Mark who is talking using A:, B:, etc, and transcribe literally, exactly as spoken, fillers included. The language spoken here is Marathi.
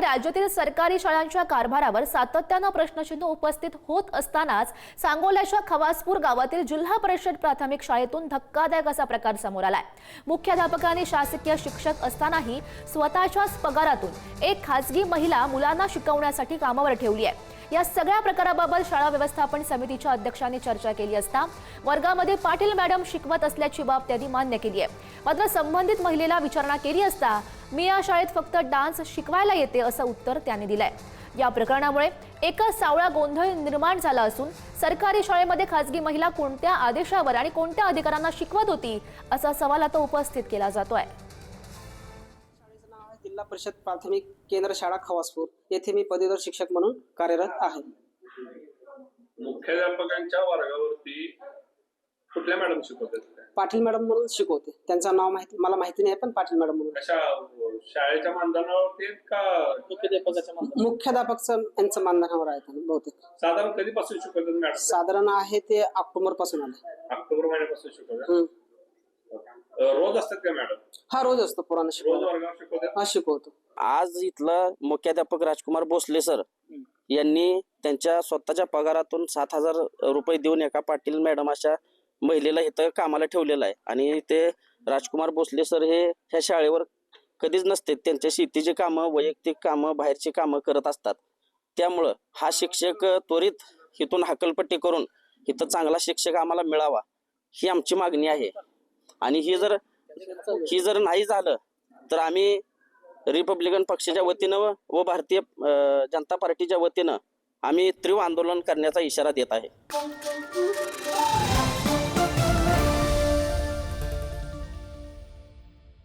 A: राज्यातील सरकारी शाळांच्या कारभारावर सातत्यानं प्रश्नचिन्ह उपस्थित होत असतानाच सांगोल्याच्या खवासपूर गावातील जिल्हा परिषद प्राथमिक शाळेतून धक्कादायक असा प्रकार समोर आलाय। मुख्याध्यापकांनी शासकीय शिक्षक असतानाही स्वतःच्याच पगारातून एक खासगी महिला मुलांना शिकवण्यासाठी कामावर ठेवली आहे। या सगळ्या प्रकाराबाबत शाळा व्यवस्थापन समितीच्या अध्यक्षांनी चर्चा केली असता वर्गामध्ये पाटील मॅडम शिकवत असल्याची बाब त्यांनी मान्य केली आहे। मात्र संबंधित महिलेला विचारणा केली असता मी या शाळेत फक्त डान्स शिकवायला येते असं उत्तर त्यांनी दिलंय। या प्रकरणामुळे एका सावळा गोंधळ निर्माण झाला असून सरकारी शाळेमध्ये खासगी महिला कोणत्या आदेशावर आणि कोणत्या अधिकाऱ्यांना शिकवत होती असा सवाल आता उपस्थित केला जातोय।
B: जिल्हा परिषद प्राथमिक केंद्र शाळा खवासपूर येथे मी पदवीधर शिक्षक म्हणून कार्यरत आहे।
C: मुख्याध्यापकांच्या वर्गावरती कुठल्या मॅडम शिकवतात?
B: पाटील मॅडम म्हणून शिकवते। त्यांचं नाव माहिती मला माहिती नाही, पण पाटील मॅडम म्हणून।
C: कशा शाळेच्या मानधनावरती का मुख्याध्यापकाच्या मानधनावर?
B: मुख्याध्यापकचं यांचं मानधनावर आहे त्यांना बहुतेक।
C: साधारण कधीपासून शिकवतात मॅडम?
B: साधारण आहे ते ऑक्टोबर पासून आले।
C: ऑक्टोबर महिन्यापासून शिकवतात। रोज असतात का मॅडम?
B: हा, रोज असतो पुराण
C: रोज
B: शिकवतो।
C: वर्गावर शिकवतात?
B: हा, शिकवतो।
D: आज इथला मुख्याध्यापक राजकुमार भोसले सर यांनी त्यांच्या स्वतःच्या पगारातून सात हजार रुपये देऊन एका पाटील मॅडम अशा महिलेला इथं कामाला ठेवलेलं आहे। आणि ते राजकुमार भोसले सर हे ह्या शाळेवर कधीच नसते, त्यांच्या शेतीची कामं, वैयक्तिक कामं, बाहेरची कामं करत असतात। त्यामुळं हा शिक्षक त्वरित इथून हकलपट्टी करून इथं चांगला शिक्षक आम्हाला मिळावा ही आमची मागणी आहे। आणि ही जर ही जर नाही झालं तर आम्ही रिपब्लिकन पक्षाच्या वतीनं व भारतीय जनता पार्टीच्या वतीनं आम्ही तीव्र आंदोलन करण्याचा इशारा देत आहे।